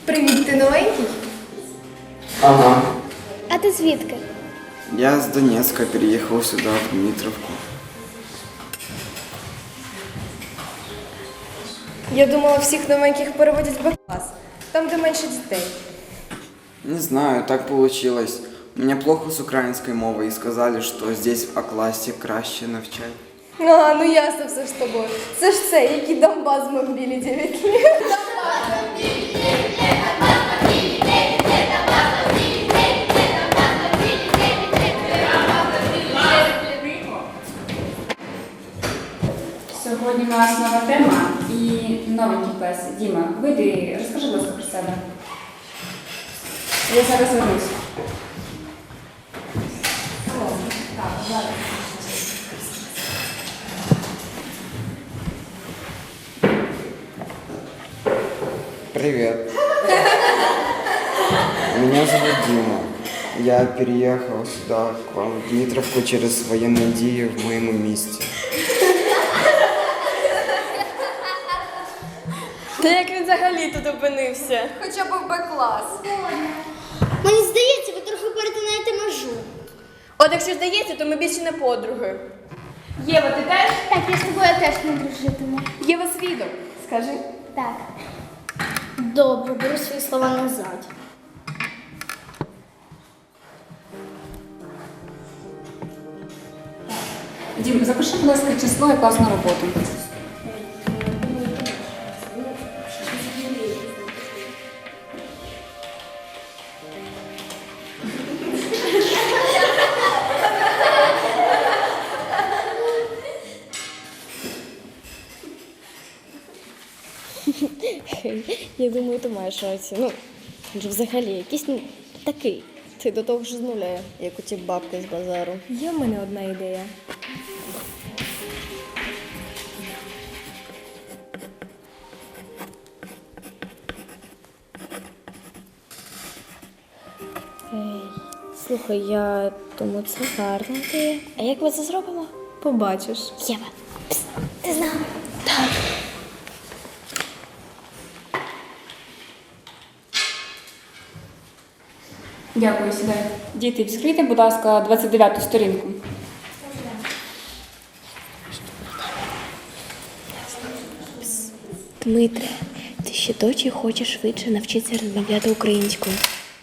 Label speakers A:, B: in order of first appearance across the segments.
A: Привіт, ти новенький?
B: Ага.
C: А ти звідки?
B: Я с Донецка переехал сюда, в Дмитровку.
A: Я думала, всіх новеньких переводять в Б-клас, там, де менше дітей.
B: Не знаю, так получилось. У меня плохо с украинской мовой и сказали, что здесь в А-классе краще навчать.
A: А, ну ясно все ж з тобою. Це ж це, який Донбас бомбили 9 лет.
D: Сьогодні у нас нова тема і новенький клас. Діма, вийди, розкажи, будь ласка, про себе. Я зараз вернусь.
B: Привет. Меня зовут Дима. Я переехал сюда, к вам, в Дмитровку, через военные дії в моєму місті.
A: Та як він взагалі тут опинився? Хоча б в Б-клас.
C: Мені здається, ви трохи перетинаєте межу.
A: От якщо здається, то ми більше не подруги.
D: Єва, ти теж?
C: Так, я з тобою теж не дружитиму.
A: Єва свідок, скажи.
C: Так. Добре, беру свої слова назад.
D: Дім, запиши, будь ласка, число і класну роботу.
E: Я думаю, ти маєш рацію. Ну, він же взагалі якийсь такий. Ти до того ж з нуля, як у ті бабки з базару.
A: Є в мене одна ідея.
E: Слухай, я думаю, це гарна ідея. А як ми це зробимо?
A: Побачиш.
E: Єва.
C: Ти знала?
D: Дякую, сідай. Діти, відкрийте, будь ласка, 29-ту сторінку.
E: Дмитре, ти ще дочі хочеш швидше навчитися розмовляти українською.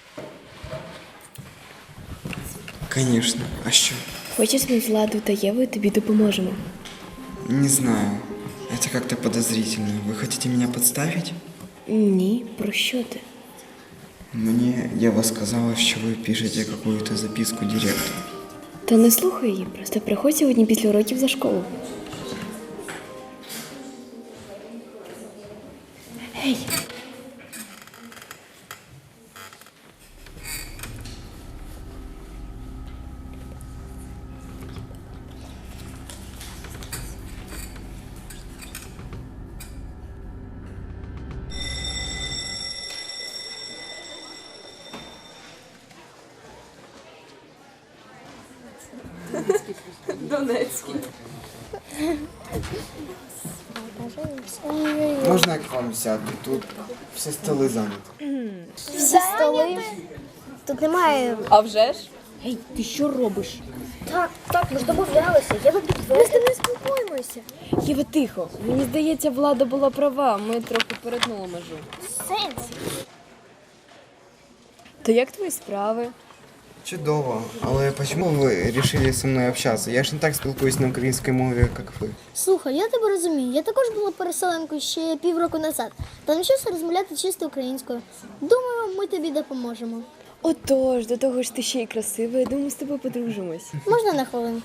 B: Конечно. А що?
E: Хочеш ми з Владою та Євою тобі допоможемо.
B: Не знаю. Это как-то подозрительно. Вы хотите меня подставить?
E: Ні, про що ти?
B: Мне Ева сказала, що ви пишете какую-то записку директору.
E: Та не слухай її, просто приходь сьогодні після уроків за школу. Гей!
A: Донецький.
B: Можна я к вам сяду? Тут всі столи зайняті.
C: Всі столи. Тут немає.
A: А вже ж?
E: Гей, ти що робиш?
C: Так, ми ж домовлялися. Я би підтвердила. Ми з тобою спілкуємося.
E: Єва, тихо. Мені здається, Влада була права. Ми трохи перетнули межу.
C: Сенс.
E: То як твої справи?
B: Чудово. Але чому ви вирішили зі мною общатися? Я ж не так спілкуюсь на українській мові, як ви.
C: Слухай, я тебе розумію. Я також була переселенкою ще півроку назад. Та навчився розмовляти чисто українською. Думаю, ми тобі допоможемо.
E: Отож, до того ж ти ще й красива, я думаю, з тобою подружимось.
C: Можна на хвилинку?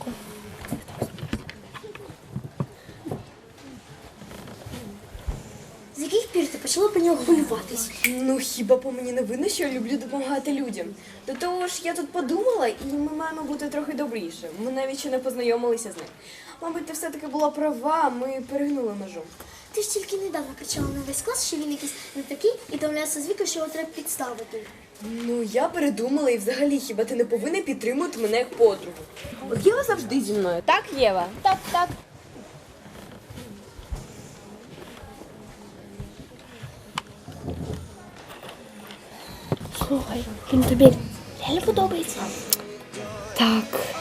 C: З яких пір ти почала по нього хвилюватись?
A: Ну, хіба по мені не видно, що я люблю допомагати людям? До того ж, я тут подумала, і ми маємо бути трохи добріше. Ми навіть ще не познайомилися з ним. Мабуть, ти все-таки була права, ми перегнули межу.
C: Ти ж тільки недавно кричала на весь клас, що він якийсь не такий, і домовлявся з Вікою, що його треба підставити.
A: Ну, я передумала, і взагалі, хіба ти не повинна підтримувати мене як подругу? От Єва завжди зі мною, так, Єва?
C: Так, так. Слухай, він тобі реально подобається.
E: Так.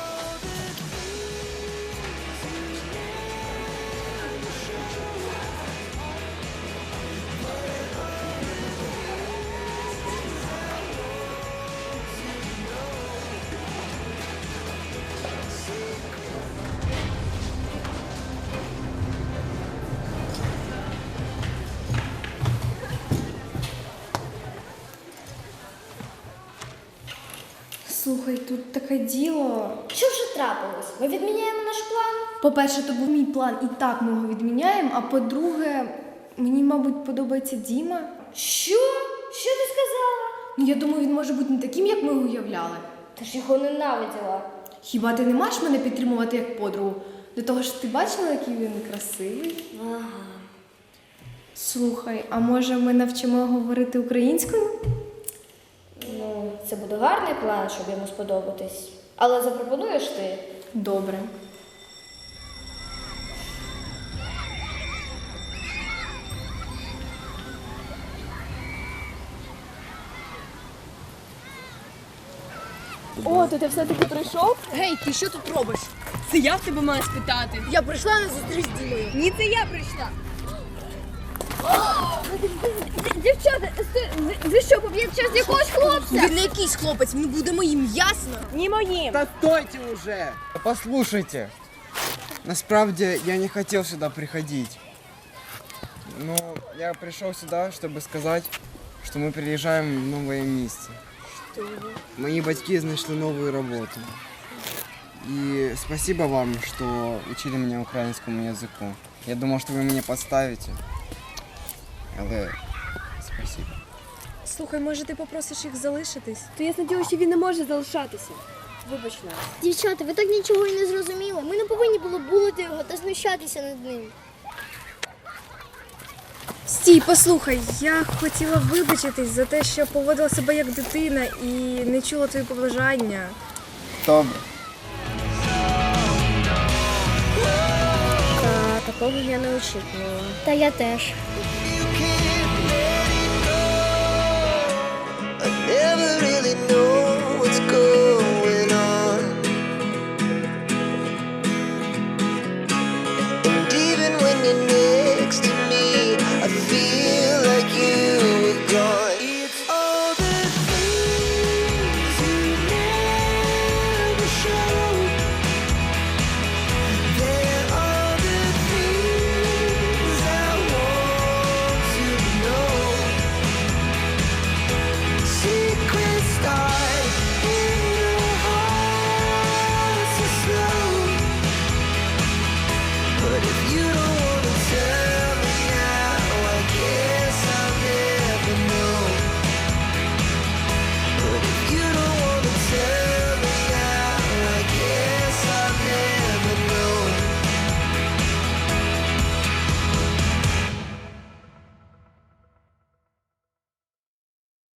F: Слухай, тут таке діло.
C: Що вже трапилось? Ми відміняємо наш план?
F: По-перше, то був мій план, і так ми його відміняємо. А по-друге, мені, мабуть, подобається Діма.
C: Що? Що ти сказала?
F: Ну, я думаю, він може бути не таким, як ми уявляли.
C: Ти ж його ненавиділа.
F: Хіба ти не маєш мене підтримувати як подругу? До того ж, ти бачила, який він красивий?
C: Ага.
F: Слухай, а може ми навчимо говорити українською?
C: Ну, це буде гарний план, щоб йому сподобатись. Але запропонуєш ти?
F: Добре.
A: О, то ти все-таки прийшов?
G: Гей, ти що тут робиш? Це я в тебе маю спитати. Я прийшла на зустріч з Дімою. Ні, це я прийшла.
A: Дівчата, ви що, поб'єте час якогось хлопця?
G: Він не якийсь хлопець, він буде моїм, ясно?
A: Ні моїм.
B: Да стойте уже! Послушайте, насправді я не хотел сюда приходить. Но я пришел сюда, чтобы сказать, что мы переезжаем в новое место. Мои батьки нашли новую работу. И спасибо вам, что учили меня украинскому языку. Я думал, что вы меня подставите. Але спасибо.
F: Слухай, може ти попросиш їх залишитись?
A: То я сподіваюся, що він не може залишатися. Вибач нас.
C: Дівчата, ви так нічого і не зрозуміли. Ми не повинні було булити його та знущатися над ним.
F: Стій, послухай, я хотіла вибачитись за те, що поводила себе як дитина і не чула твої побажання.
B: Добре.
C: Такого я не очікувала. Та я теж.